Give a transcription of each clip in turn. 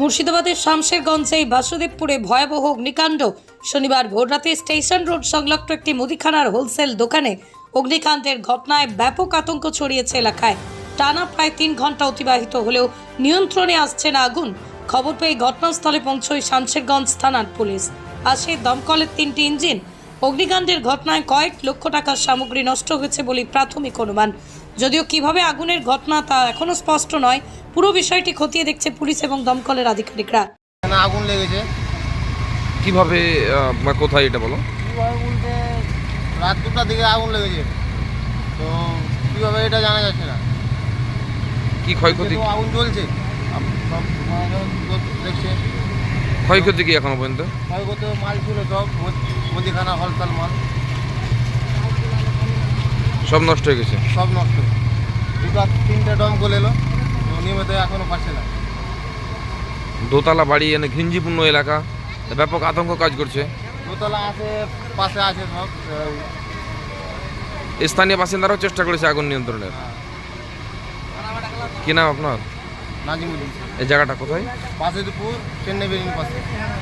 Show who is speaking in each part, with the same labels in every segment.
Speaker 1: মুর্শিদাবাদের শামশেরগঞ্জে বাসুদেবপুরে ভয়াবহ অগ্নিকাণ্ড। শনিবার ভোররাতে স্টেশন রোড সংলগ্ন একটি মুদিখানার হোলসেল দোকানে অগ্নিকাণ্ডের ঘটনায় ব্যাপক আতঙ্ক ছড়িয়েছে এলাকায়। টানা প্রায় 3 ঘন্টা অতিবাহিত হলেও নিয়ন্ত্রণে আসছে না আগুন। খবর পেয়ে ঘটনাস্থলে পৌঁছয় শামশেরগঞ্জ থানার পুলিশ। আসে দমকলের 3টি ইঞ্জিন। অগ্নিকাণ্ডের ঘটনায় কয়েক লক্ষ টাকার সামগ্রী নষ্ট হয়েছে বলে প্রাথমিক অনুমান। যদিও কিভাবে আগুনের ঘটনা তা এখনো স্পষ্ট নয়। পুরো বিষয়টি খতিয়ে দেখছে পুলিশ এবং দমকলের আধিকারিকরা।
Speaker 2: আগুন লেগেছে
Speaker 3: কিভাবে কোথায় এটা বলো?
Speaker 2: কীভাবে বলতে রাত 2টার দিকে আগুন লেগেছে, তো কীভাবে এটা জানা যাচ্ছে না।
Speaker 3: কি ক্ষয়ক্ষতি?
Speaker 2: তো আগুন জ্বলছে, সব দেখছে।
Speaker 3: ক্ষয়ক্ষতি কি এখনো পর্যন্ত?
Speaker 2: ক্ষয়ক্ষতি মাল ছিল সব মুদিখানা হলতাল মাল
Speaker 3: সব নষ্ট হয়ে গেছে।
Speaker 2: সব নষ্ট। 2-3টে দমকল এলো, তো নিয়মিত এখনও পাচ্ছে না।
Speaker 3: দোতলা বাড়ি এনে ঘিঞ্জিপূর্ণ এলাকা, ব্যাপক আতঙ্ক কাজ করছে।
Speaker 2: দোতলা আছে, পাশে আছে সব।
Speaker 3: স্থানীয় বাসিন্দারাও চেষ্টা করেছে আগুন নিয়ন্ত্রণের। কি নাম আপনার?
Speaker 2: নাজিমুদ্দিন।
Speaker 3: এই জায়গাটা কোথায়?
Speaker 2: বাসুদেবপুর, চেন্নাই বেরিয়ে পাশে।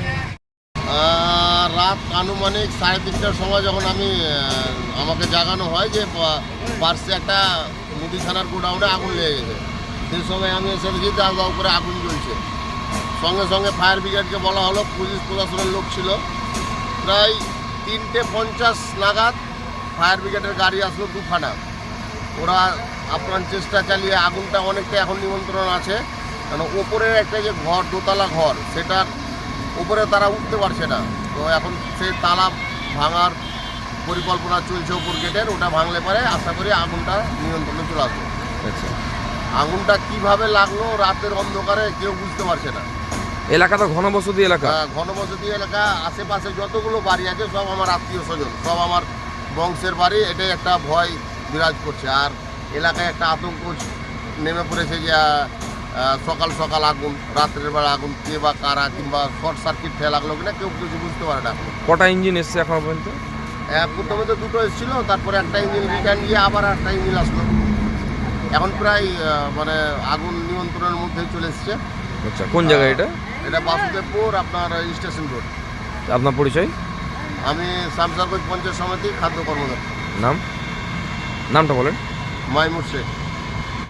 Speaker 2: রাত আনুমানিক 3:30টার সময় যখন আমাকে জাগানো হয় যে পার্শ্বে একটা মুদিখানার গোডাউনে আগুন লেগে গেছে, সেই সময় আমি এসে দেখি দাও দাও করে আগুন জ্বলছে। সঙ্গে সঙ্গে ফায়ার ব্রিগেডকে বলা হলো, পুলিশ প্রশাসনের লোক ছিল। প্রায় 3:50 নাগাদ ফায়ার ব্রিগেডের গাড়ি আসলো 2খানা। ওরা আপ্রাণ চেষ্টা চালিয়ে আগুনটা অনেকটা এখন নিয়ন্ত্রণ আছে, কারণ ওপরের একটা যে ঘর, দোতলা ঘর, সেটার উপরে তারা উঠতে পারছে না। তো এখন সেই তালা ভাঙার পরিকল্পনা চলছে ওপর গেটের। ওটা ভাঙলে পরে আশা করি আগুনটা নিয়ন্ত্রণে চলে আসবে।
Speaker 3: আচ্ছা,
Speaker 2: আগুনটা কিভাবে লাগলো রাতের অন্ধকারে কেউ বুঝতে পারছে না।
Speaker 3: এলাকা তো ঘনবসতি এলাকা।
Speaker 2: ঘনবসতি এলাকা, আশেপাশে যতগুলো বাড়ি আছে সব আমার আত্মীয় স্বজন, সব আমার বংশের বাড়ি। এটাই একটা ভয় বিরাজ করছে। আর এলাকায় একটা আতঙ্ক নেমে পড়েছে যে সকাল সকাল আগুন, রাত্রের বেলা আগুন, কে বা কারা কিংবা শর্ট সার্কিট খেয়ে লাগলো কিনা কেউ কিছু বুঝতে পারে না।
Speaker 3: কটা ইঞ্জিন এসছে এখনো পর্যন্ত?
Speaker 2: প্রথমে তো 2টো এসেছিলো, তারপরে একটা ইঞ্জিন রিটার্ন গিয়ে আবার একটা ইঞ্জিন আসলো। এখন প্রায় আগুন নিয়ন্ত্রণের মধ্যে চলে এসছে।
Speaker 3: আচ্ছা, কোন জায়গায় এটা?
Speaker 2: এটা বাসুদেবপুর, আপনার স্টেশন রোড।
Speaker 3: আপনার পরিচয়?
Speaker 2: আমি শামশেরগঞ্জ পঞ্চায়েত সমিতি খাদ্য কর্মদক্ষ।
Speaker 3: নামটা বলেন।
Speaker 2: মাইমুর শেখ।